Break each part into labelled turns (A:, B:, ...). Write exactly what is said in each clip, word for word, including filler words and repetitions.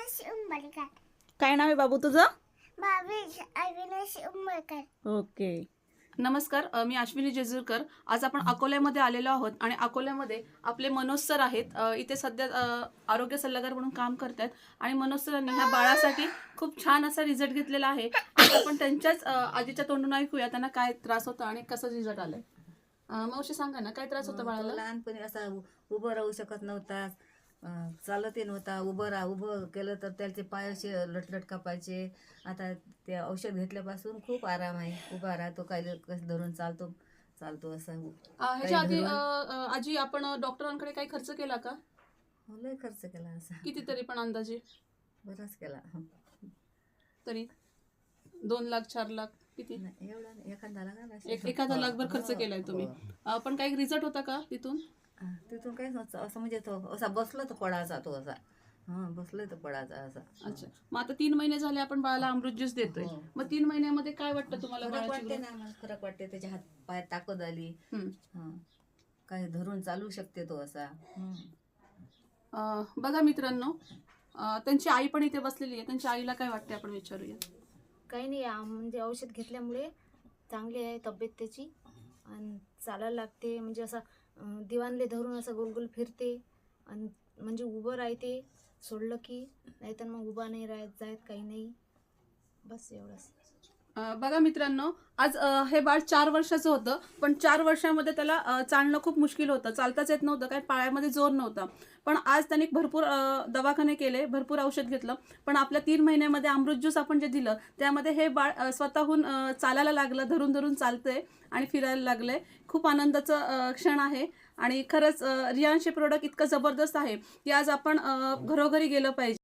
A: अविनाश उंबरकर.
B: काय नाव आहे बाबू तुझं?
A: भावेश अविनाश उंबरकर.
B: ओके. नमस्कार, अ, मी अश्विनी जेजुरकर. आज आपण अकोल्यामध्ये आलेलो आहोत आणि अकोल्यामध्ये आपले मनोज सर आहेत. अ, इथे सध्या अ, आरोग्य सल्लागार म्हणून काम करतात आणि मनोज सरांनी ह्या बाळासाठी खूप छान असा रिझल्ट घेतलेला आहे. आज आपण त्यांच्याच अ, आजीच्या तोंडून ऐकूया त्यांना काय त्रास होता आणि कसं रिझल्ट आलाय. अ, मावशी सांगा ना, काय त्रास होता
C: तो
B: बाळाला?
C: लहानपणी असा उ- उभं राहू शकत नव्हता, अं, चालतही नव्हता. उभं राहा उभं केलं तर त्याचे पाय असे लटलट कापायचे. आता ते औषध घेतल्यापासून खूप आराम आहे. उभा राहतो, काही कसं धरून चालतो चालतो असं.
B: अ, ह्याच्या आधी अ, अ, आजी आपण अ, डॉक्टरांकडे काही खर्च केला का?
C: हो, लय खर्च केला असा,
B: कितीतरी पण अंदाजे
C: बराच केला.
B: तरी दोन लाख चार लाख किती?
C: नाही, एवढा नाही, एखादा लागला असेल.
B: एक एखादा लाखभर खर्च
C: हो,
B: केलाय तुम्ही.
C: हो.
B: अ, पण काही रिझल्ट होता का तिथून?
C: हा, तिथून काही नव्हतं असं, म्हणजे तो असा बसला तर पडायचा तो असा. हा, बसला तर पडायचा असा.
B: अच्छा, मग आता तीन महिने झाले आपण बाळाला अमृत ज्यूस देतोय.
C: हो.
B: मग तीन महिन्यामध्ये काय वाटतं तुम्हाला
C: फरक
B: बाळाची
C: वाटते
B: growth?
C: ना, मला फरक वाटते. त्याच्या हात पाय ताकद आली.
B: हम्म.
C: हा, काही धरून चालू शकते तो असा. हम्म.
B: अ, बघा मित्रांनो, अ, त्यांची आई पण इथे बसलेली आहे. त्यांच्या आईला काय वाटते आपण विचारूया.
D: काही नाही, आ- म्हणजे औषध घेतल्यामुळे चांगली आहे तब्येत त्याची आणि चालायला लागते. म्हणजे असं अं, दिवाणले धरून असं गोल गोल फिरते आणि म्हणजे उभं राहते सोडलं की, नाहीतर मग उभा नाही राहत जायत काही नाही. बस एवढंच.
B: अ, बघा मित्रांनो, आज अ, हे बाळ चार वर्षाचं होतं, पण चार वर्षामध्ये त्याला अ, चालणं खूप मुश्किल होतं, चालताच येत नव्हतं, काही पायामध्ये जोर नव्हता. पण आज त्यांनी भरपूर अ, दवाखाने केले, भरपूर औषध घेतलं, पण आपल्या तीन महिन्यामध्ये अमृत ज्यूस आपण जे दिलं त्यामध्ये हे बाळ अ, स्वतःहून अ, चालायला लागलं, धरून धरून चालतंय आणि फिरायला लागलंय. खूप आनंदाचं अ, क्षण आहे आणि खरंच अ, रियांश हे प्रोडक्ट इतकं जबरदस्त आहे की आज आपण अ, घरोघरी गेलं पाहिजे.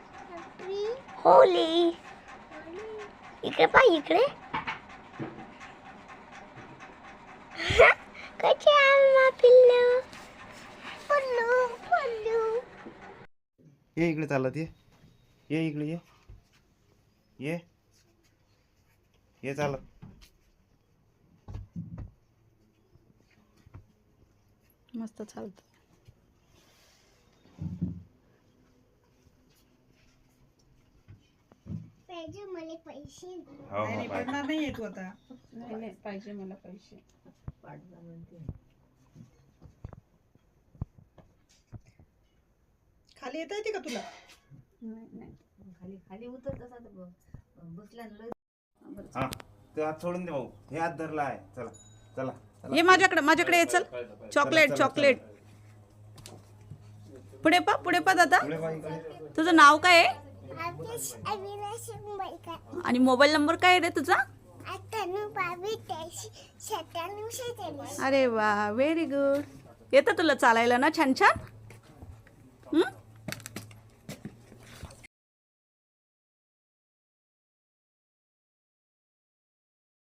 A: होली इकडे पाय इकडे. कसे आम्हा पिल्लू पल्लू पल्लू.
E: ये इकडे चालत ये ये इकडे ये ये ये चालत.
B: मस्त चालतं.
A: पाहिजे मला पैसे.
E: हो हो पाय.
B: नाही नाही, पाहिजे मला पैसे.
F: खाली येता येते का तुला?
B: नाही नाही.
C: खाली खाली उतर तसा तर ब- बसला ना लय.
E: हा, ते हात सोडून दे भाऊ. हे हात धरला आहे. चला चला चला.
B: ये माझ्याकडे माझ्याकडे ये, चल. चॉकलेट
E: चला,
B: चॉकलेट. पुढे पा पुढे पा दादा.
E: पुढे पाय इकडे.
B: तुझं नाव काय आहे
A: अविनाश अविनाश उंबरकर.
B: आणि मोबाईल नंबर काय आहे रे तुझा?
A: अठ्ठ्याण्णव बावीस त्र्याऐंशी सत्त्याण्णव शेहेचाळीस.
B: अरे वा, व्हेरी गुड. येतं तुला चालायला ना छान छान? हं?